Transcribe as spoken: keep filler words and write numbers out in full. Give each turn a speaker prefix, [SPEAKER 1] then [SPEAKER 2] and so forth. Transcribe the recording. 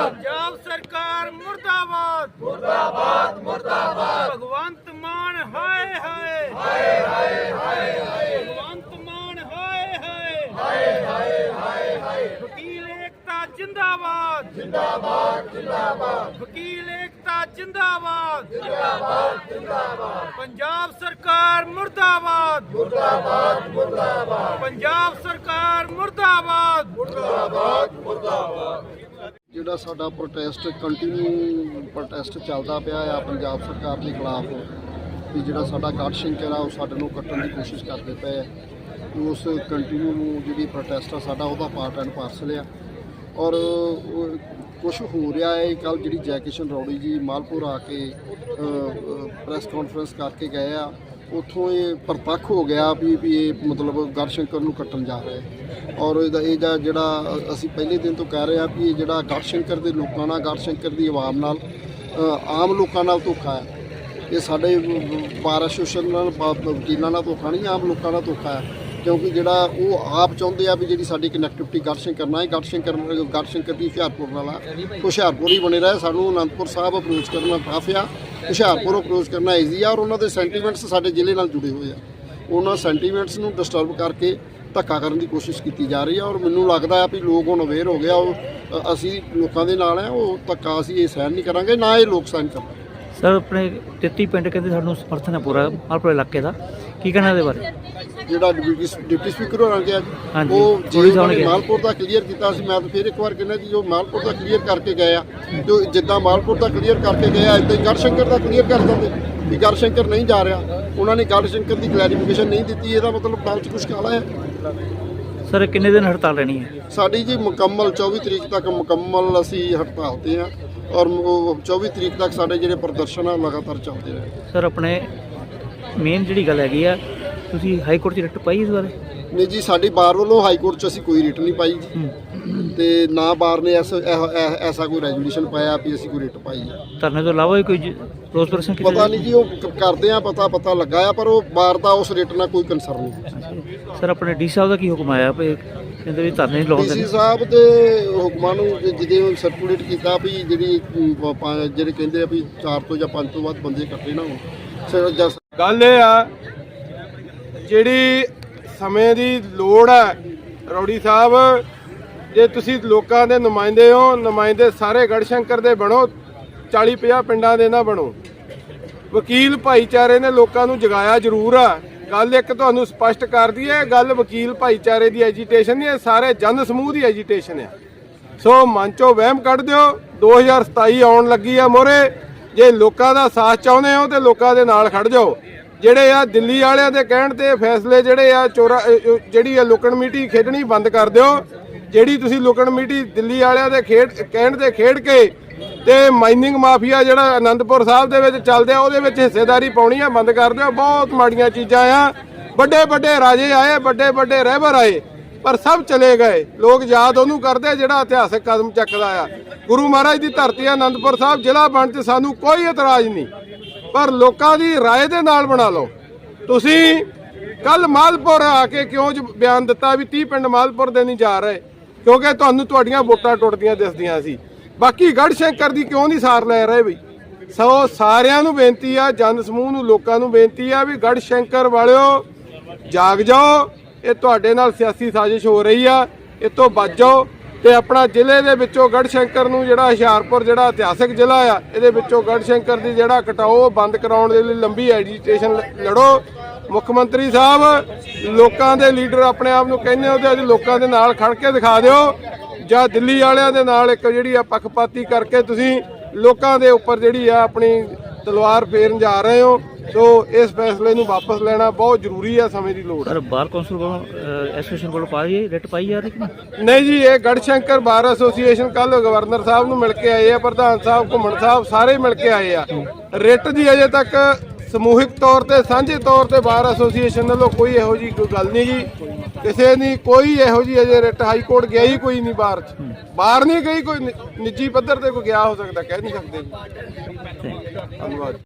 [SPEAKER 1] पंजाब सरकार मुर्दाबाद
[SPEAKER 2] मुर्दाबाद मुर्दाबाद
[SPEAKER 1] भगवंत मान हाय हाय
[SPEAKER 2] हाय हाय हाय हाय
[SPEAKER 1] भगवंत मान हाय हाय
[SPEAKER 2] हाय हाय हाय हाय
[SPEAKER 1] वकील एकता जिंदाबाद
[SPEAKER 2] जिंदाबाद जिंदाबाद
[SPEAKER 1] वकील एकता जिंदाबाद
[SPEAKER 2] जिंदाबाद जिंदाबाद
[SPEAKER 1] पंजाब सरकार मुर्दाबाद
[SPEAKER 2] मुर्दाबाद मुर्दाबाद
[SPEAKER 1] पंजाब सरकार मुर्दाबाद
[SPEAKER 2] मुर्दाबाद मुर्दाबाद
[SPEAKER 3] ਜਿਹੜਾ ਸਾਡਾ ਪ੍ਰੋਟੈਸਟ ਕੰਟੀਨਿਊ ਪ੍ਰੋਟੈਸਟ ਚੱਲਦਾ ਪਿਆ ਆ ਪੰਜਾਬ ਸਰਕਾਰ ਦੇ ਖਿਲਾਫ ਵੀ ਜਿਹੜਾ ਸਾਡਾ ਗੜ ਸ਼ੰਕਰ ਆ ਉਹ ਸਾਡੇ ਨੂੰ ਕੱਟਣ ਦੀ ਕੋਸ਼ਿਸ਼ ਕਰਦੇ ਪਏ ਆ ਉਸ ਕੰਟੀਨਿਊ ਨੂੰ ਜਿਹੜੀ ਪ੍ਰੋਟੈਸਟ ਆ ਸਾਡਾ ਉਹਦਾ ਪਾਰਟ ਐਂਡ ਪਾਰਸਲ ਆ ਔਰ ਕੁਝ ਹੋ ਰਿਹਾ ਹੈ। ਕੱਲ ਜਿਹੜੀ ਜੈ ਕਿਸ਼ਨ ਰੌੜੀ ਜੀ ਮਾਲਪੁਰ ਆ ਕੇ ਪ੍ਰੈਸ ਕਾਨਫਰੰਸ ਕਰਕੇ ਗਏ ਆ ਉੱਥੋਂ ਇਹ ਪ੍ਰਤੱਖ ਹੋ ਗਿਆ ਵੀ ਵੀ ਇਹ ਮਤਲਬ ਗੜ ਸ਼ੰਕਰ ਨੂੰ ਕੱਟਣ ਜਾ ਰਹੇ ਔਰ ਇਹਦਾ ਇਹ ਜਿਹੜਾ ਅਸੀਂ ਪਹਿਲੇ ਦਿਨ ਤੋਂ ਕਹਿ ਰਹੇ ਹਾਂ ਵੀ ਇਹ ਜਿਹੜਾ ਗੜ ਸ਼ੰਕਰ ਦੇ ਲੋਕਾਂ ਨਾਲ ਗੜ ਸ਼ੰਕਰ ਦੀ ਆਵਾਮ ਨਾਲ ਆਮ ਲੋਕਾਂ ਨਾਲ ਧੋਖਾ ਹੈ। ਇਹ ਸਾਡੇ ਬਾਰ ਐਸੋਸੀਏਸ਼ਨ ਨਾਲ ਵਕੀਲਾਂ ਨਾਲ ਧੋਖਾ ਨਹੀਂ, ਆਮ ਲੋਕਾਂ ਨਾਲ ਧੋਖਾ ਹੈ ਕਿਉਂਕਿ ਜਿਹੜਾ ਉਹ ਆਪ ਚਾਹੁੰਦੇ ਆ ਵੀ ਜਿਹੜੀ ਸਾਡੀ ਕਨੈਕਟੀਵਿਟੀ ਗੜ ਸ਼ੰਕਰ ਨਾਲ ਹੈ, ਗੜ ਸ਼ੰਕਰ ਗੜ ਸ਼ੰਕਰ ਦੀ ਹੁਸ਼ਿਆਰਪੁਰ ਨਾਲ ਆ, ਹੁਸ਼ਿਆਰਪੁਰ ਹੀ ਬਣੇ ਰਹੇ। ਸਾਨੂੰ ਅਨੰਦਪੁਰ ਸਾਹਿਬ ਅਪਰੋਚ ਕਰਨਾ ਟਫ ਆ, ਹੁਸ਼ਿਆਰਪੁਰ ਅਪਰੋਚ ਕਰਨਾ ਈਜ਼ੀ ਆ ਔਰ ਉਹਨਾਂ ਦੇ ਸੈਂਟੀਮੈਂਟਸ ਸਾਡੇ ਜ਼ਿਲ੍ਹੇ ਨਾਲ ਜੁੜੇ ਹੋਏ ਆ। ਉਹਨਾਂ ਸੈਂਟੀਮੈਂਟਸ ਨੂੰ ਡਿਸਟਰਬ ਕਰਕੇ ਧੱਕਾ ਕਰਨ ਦੀ ਕੋਸ਼ਿਸ਼ ਕੀਤੀ ਜਾ ਰਹੀ ਆ ਔਰ ਮੈਨੂੰ ਲੱਗਦਾ ਆ ਵੀ ਲੋਕ ਹੁਣ ਅਵੇਅਰ ਹੋ ਗਿਆ। ਉਹ ਅਸੀਂ ਲੋਕਾਂ ਦੇ ਨਾਲ ਆ, ਉਹ ਧੱਕਾ ਅਸੀਂ ਇਹ ਸਹਿਣ ਨਹੀਂ ਕਰਾਂਗੇ, ਨਾ ਇਹ ਲੋਕ ਸਹਿਣ ਕਰਨਗੇ।
[SPEAKER 4] ਸਰ ਆਪਣੇ ਤੇਤੀ ਪਿੰਡ ਕਹਿੰਦੇ ਸਾਨੂੰ ਸਮਰਥਨ ਹੈ ਪੂਰਾ ਮਾਲਪੁਰ ਇਲਾਕੇ ਦਾ, ਕੀ ਕਹਿਣਾ ਇਹਦੇ ਬਾਰੇ?
[SPEAKER 3] ਜਿਹੜਾ ਡਿਪਟੀ ਡਿਪਟੀ ਸਪੀਕਰ ਹੋਣਾ ਗਿਆ
[SPEAKER 4] ਹਾਂਜੀ,
[SPEAKER 3] ਉਹ
[SPEAKER 4] ਪੁਲਿਸ
[SPEAKER 3] ਜੇ
[SPEAKER 4] ਆਉਣ ਗਿਆ।
[SPEAKER 3] ਮਾਲਪੁਰ ਦਾ ਕਲੀਅਰ ਕੀਤਾ ਸੀ, ਮੈਂ ਤਾਂ ਫਿਰ ਇੱਕ ਵਾਰ ਕਹਿੰਦਾ ਜੀ ਜੋ ਮਾਲਪੁਰ ਦਾ ਕਲੀਅਰ ਕਰਕੇ ਗਏ ਆ ਜੋ ਜਿੱਦਾਂ ਮਾਲਪੁਰ ਦਾ ਕਲੀਅਰ ਕਰਕੇ ਗਏ ਆ ਇੱਦਾਂ ਹੀ ਗੜ ਸ਼ੰਕਰ ਦਾ ਕਲੀਅਰ ਕਰ ਦਿੰਦੇ ਵੀ ਗੜ ਸ਼ੰਕਰ ਨਹੀਂ ਜਾ ਰਿਹਾ। ਉਹਨਾਂ ਨੇ ਗੜ ਸ਼ੰਕਰ ਦੀ ਕਲੈਰੀਫਿਕੇਸ਼ਨ ਨਹੀਂ ਦਿੱਤੀ, ਇਹਦਾ ਮਤਲਬ ਗੱਲ 'ਚ ਕੁਛ ਕਾਲਾ ਹੈ।
[SPEAKER 4] ਸਰ ਕਿੰਨੇ ਦਿਨ ਹੜਤਾਲ ਰਹਿਣੀ ਹੈ?
[SPEAKER 3] ਸਾਡੀ ਜੀ ਮੁਕੰਮਲ ਚੌਵੀ ਤਰੀਕ ਤੱਕ ਮੁਕੰਮਲ ਅਸੀਂ ਹੜਤਾਲ 'ਤੇ ਆ ਔਰ ਚੌਵੀ ਤਰੀਕ ਤੱਕ ਸਾਡੇ ਜਿਹੜੇ ਪ੍ਰਦਰਸ਼ਨ ਆ ਲਗਾਤਾਰ ਚੱਲਦੇ ਰਹੇ।
[SPEAKER 4] ਸਰ ਆਪਣੇ ਮੇਨ ਜਿਹੜੀ ਗੱਲ ਹੈਗੀ ਆ, ਤੁਸੀਂ ਹਾਈ ਕੋਰਟ 'ਚ ਰਿਟ ਪਾਈ ਇਸ ਬਾਰੇ?
[SPEAKER 3] ਨਹੀਂ ਜੀ, ਸਾਡੀ ਬਾਰ ਵੱਲੋਂ ਹਾਈ ਕੋਰਟ 'ਚ ਅਸੀਂ ਕੋਈ ਰਿਟ ਨਹੀਂ ਪਾਈ ਜੀ ਤੇ ਨਾ ਬਾਰ ਨੇ ਐਸਾ ਐਸਾ ਕੋਈ ਰੈਜੂਲੇਸ਼ਨ ਪਾਇਆ ਵੀ ਅਸੀਂ ਕੋਈ ਰਿਟ ਪਾਈ ਆ।
[SPEAKER 4] ਧਰਨੇ ਤੋਂ ਇਲਾਵਾ ਕੋਈ ਰੋਸ ਪ੍ਰਦਰਸ਼ਨ ਕੀਤਾ?
[SPEAKER 3] ਪਤਾ ਨਹੀਂ ਜੀ, ਉਹ ਕਰਦੇ ਆ ਪਤਾ ਪਤਾ ਲੱਗਾ ਆ ਪਰ ਉਹ ਬਾਰ ਦਾ ਉਸ ਰਿਟ ਨਾਲ ਕੋਈ ਕੰਸਰਨ ਨਹੀਂ।
[SPEAKER 4] ਸਰ ਆਪਣੇ ਡੀ ਸਾਹਿਬ ਦਾ ਕੀ ਹੁਕਮ ਆਇਆ ਵੀ ਕਹਿੰਦੇ ਵੀ ਧਰਨੇ ਨਹੀਂ ਲਾਉਂਦੇ?
[SPEAKER 3] ਡੀ ਸੀ ਸਾਹਿਬ ਦੇ ਹੁਕਮਾਂ ਨੂੰ ਜਿਹਦੇ ਸਰਕੂਲੇਟ ਕੀਤਾ ਵੀ ਜਿਹੜੀ ਜਿਹੜੇ ਕਹਿੰਦੇ ਆ ਵੀ ਚਾਰ ਤੋਂ ਜਾਂ ਪੰਜ ਤੋਂ ਵੱਧ ਬੰਦੇ ਇਕੱਠੇ ਨਾ ਹੋਣ।
[SPEAKER 5] ਗੱਲ ਇਹ ਆ ਜਿਹੜੀ ਸਮੇਂ ਦੀ ਲੋੜ ਹੈ ਰੌੜੀ ਸਾਹਿਬ, ਜੇ ਤੁਸੀਂ ਲੋਕਾਂ ਦੇ ਨੁਮਾਇੰਦੇ ਹੋ, ਨੁਮਾਇੰਦੇ ਸਾਰੇ ਗੜ ਸ਼ੰਕਰ ਦੇ ਬਣੋ, ਚਾਲੀ ਪੰਜਾਹ ਪਿੰਡਾਂ ਦੇ ਨਾ ਬਣੋ। ਵਕੀਲ ਭਾਈਚਾਰੇ ਨੇ ਲੋਕਾਂ ਨੂੰ ਜਗਾਇਆ ਜ਼ਰੂਰ ਆ। ਗੱਲ ਇੱਕ ਤੁਹਾਨੂੰ ਸਪਸ਼ਟ ਕਰ ਦਈਏ, ਗੱਲ ਵਕੀਲ ਭਾਈਚਾਰੇ ਦੀ ਐਜੀਟੇਸ਼ਨ ਨਹੀਂ, ਇਹ ਸਾਰੇ ਜਨ ਸਮੂਹ ਦੀ ਐਜੀਟੇਸ਼ਨ ਆ। ਸੋ ਮਨ ਚੋਂ ਵਹਿਮ ਕੱਢ ਦਿਓ, ਦੋ ਹਜ਼ਾਰ ਸਤਾਈ ਆਉਣ ਲੱਗੀ ਆ ਮੋਹਰੇ। ਜੇ ਲੋਕਾਂ ਦਾ ਸਾਥ ਚਾਹੁੰਦੇ ਹੋ ਤੇ ਲੋਕਾਂ ਦੇ ਨਾਲ ਖੜ ਜਾਓ। ਜਿਹੜੇ ਆ ਦਿੱਲੀ ਵਾਲਿਆਂ ਦੇ ਕਹਿਣ ਤੇ ਫੈਸਲੇ ਜਿਹੜੇ ਆ ਚੋਰਾ ਜਿਹੜੀ ਆ ਲੁਕਣ ਮੀਟੀ ਖੇਡਣੀ ਬੰਦ ਕਰ ਦਿਓ। ਜਿਹੜੀ ਤੁਸੀਂ ਲੁਕਣ ਮੀਟੀ ਦਿੱਲੀ ਵਾਲਿਆਂ ਦੇ ਖੇਡ ਕਹਿਣ ਤੇ ਖੇਡ ਕੇ ਤੇ ਮਾਈਨਿੰਗ ਮਾਫੀਆ ਜਿਹੜਾ ਆਨੰਦਪੁਰ ਸਾਹਿਬ ਦੇ ਵਿੱਚ ਚੱਲਦੇ ਆ ਉਹਦੇ ਵਿੱਚ ਹਿੱਸੇਦਾਰੀ ਪਾਉਣੀ ਆ ਬੰਦ ਕਰ ਦਿਓ। ਬਹੁਤ ਮਾੜੀਆਂ ਚੀਜ਼ਾਂ ਆ। ਵੱਡੇ ਵੱਡੇ ਰਾਜੇ ਆਏ, ਵੱਡੇ ਵੱਡੇ ਰਹਿਬਰ ਆਏ, ਪਰ ਸਭ ਚਲੇ ਗਏ। ਲੋਕ ਯਾਦ ਉਹਨੂੰ ਕਰਦੇ ਜਿਹੜਾ ਇਤਿਹਾਸਕ ਕਦਮ ਚੱਕਦਾ ਆ। ਗੁਰੂ ਮਹਾਰਾਜ ਦੀ ਧਰਤੀ ਆ ਆਨੰਦਪੁਰ ਸਾਹਿਬ, ਜ਼ਿਲ੍ਹਾ ਬਣ ਤੇ ਸਾਨੂੰ ਕੋਈ ਇਤਰਾਜ਼ ਨਹੀਂ, ਪਰ ਲੋਕਾਂ ਦੀ ਰਾਏ ਦੇ ਨਾਲ ਬਣਾ ਲਓ। ਤੁਸੀਂ ਕੱਲ ਮਾਲਪੁਰ ਆ ਕੇ ਕਿਉਂ ਬਿਆਨ ਦਿੱਤਾ ਵੀ ਤੀਹ ਪਿੰਡ ਮਾਲਪੁਰ ਦੇ ਨਹੀਂ ਜਾ ਰਹੇ? ਕਿਉਂਕਿ ਤੁਹਾਨੂੰ ਤੁਹਾਡੀਆਂ ਵੋਟਾਂ ਟੁੱਟਦੀਆਂ ਦਿਸਦੀਆਂ ਸੀ। ਬਾਕੀ ਗੜ ਸ਼ੰਕਰ ਦੀ ਕਿਉਂ ਨਹੀਂ ਸਾਰ ਲੈ ਰਹੇ ਬਈ? ਸੋ ਸਾਰਿਆਂ ਨੂੰ ਬੇਨਤੀ ਆ, ਜਨ ਸਮੂਹ ਨੂੰ, ਲੋਕਾਂ ਨੂੰ ਬੇਨਤੀ ਆ ਵੀ ਗੜ ਸ਼ੰਕਰ ਵਾਲਿਓ ਜਾਗ ਜਾਓ। ਇਹ ਤੁਹਾਡੇ ਨਾਲ ਸਿਆਸੀ ਸਾਜ਼ਿਸ਼ ਹੋ ਰਹੀ ਆ, ਇਹ ਤੋਂ ਬਚ ਜਾਓ ਤੇ ਆਪਣਾ ਜ਼ਿਲ੍ਹੇ ਦੇ ਵਿੱਚੋਂ ਗੜ ਸ਼ੰਕਰ ਨੂੰ, ਜਿਹੜਾ ਹੁਸ਼ਿਆਰਪੁਰ ਜਿਹੜਾ ਇਤਿਹਾਸਕ ਜ਼ਿਲ੍ਹਾ ਆ, ਇਹਦੇ ਵਿੱਚੋਂ ਗੜ ਸ਼ੰਕਰ ਦੀ ਜਿਹੜਾ ਕਟਾਓ ਬੰਦ ਕਰਾਉਣ ਦੇ ਲਈ ਲੰਬੀ ਐਜੀਟੇਸ਼ਨ ਲੜੋ। ਮੁੱਖ ਮੰਤਰੀ ਸਾਹਿਬ, ਲੋਕਾਂ ਦੇ ਲੀਡਰ ਆਪਣੇ ਆਪ ਨੂੰ ਕਹਿੰਦੇ ਹੋ ਤੇ ਅੱਜ ਲੋਕਾਂ ਦੇ ਨਾਲ ਖੜ ਕੇ ਦਿਖਾ ਦਿਓ, ਜਾਂ ਦਿੱਲੀ ਵਾਲਿਆਂ ਦੇ ਨਾਲ ਇੱਕ ਜਿਹੜੀ ਆ ਪੱਖਪਾਤੀ ਕਰਕੇ ਤੁਸੀਂ ਲੋਕਾਂ ਦੇ ਉੱਪਰ ਜਿਹੜੀ ਆ ਆਪਣੀ ਤਲਵਾਰ ਫੇਰਨ ਜਾ ਰਹੇ ਹੋ। ਸੋ ਇਸ ਫੈਸਲੇ ਨੂੰ ਵਾਪਸ ਲੈਣਾ ਬਹੁਤ ਜ਼ਰੂਰੀ ਆ, ਸਮੇਂ ਦੀ ਲੋੜ ਹੈ।
[SPEAKER 4] ਸਰ ਬਾਰ ਕੌਂਸਲ ਵੱਲੋਂ ਐਸੋਸੀਏਸ਼ਨ ਵੱਲੋਂ ਪਾਈ ਰਿਟ ਪਾਈ ਜਾ ਰਹੀ?
[SPEAKER 5] ਨਹੀਂ ਜੀ, ਇਹ ਗੜ ਸ਼ੰਕਰ ਬਾਰ ਐਸੋਸੀਏਸ਼ਨ ਕੱਲ ਗਵਰਨਰ ਸਾਹਿਬ ਨੂੰ ਮਿਲ ਕੇ ਆਏ ਆ, ਪ੍ਰਧਾਨ ਸਾਹਿਬ, ਘੁੰਮਣ ਸਾਹਿਬ, ਸਾਰੇ ਮਿਲ ਕੇ ਆਏ ਆ। ਰਿਟ ਦੀ ਅਜੇ ਤੱਕ ਸਮੂਹਿਕ ਤੌਰ ਤੇ ਸਾਂਝੇ ਤੌਰ ਤੇ ਬਾਰ ਐਸੋਸੀਏਸ਼ਨ ਵੱਲੋਂ ਕੋਈ ਇਹੋ ਜੀ ਕੋਈ ਗੱਲ ਨਹੀਂ ਜੀ। ਕਿਸੇ ਨੇ ਕੋਈ ਇਹੋ ਜੀ ਅਜੇ ਰਿਟ ਹਾਈ ਕੋਰਟ ਗਿਆ ਹੀ ਕੋਈ ਨਹੀਂ, ਬਾਹਰ ਚ ਬਾਹਰ ਨਹੀਂ ਗਈ, ਕੋਈ ਨਿੱਜੀ ਪੱਧਰ ਤੇ ਕੋਈ ਗਿਆ ਹੋ ਸਕਦਾ, ਕਹਿ ਨਹੀਂ ਸਕਦੇ ਜੀ। ਧੰਨਵਾਦ।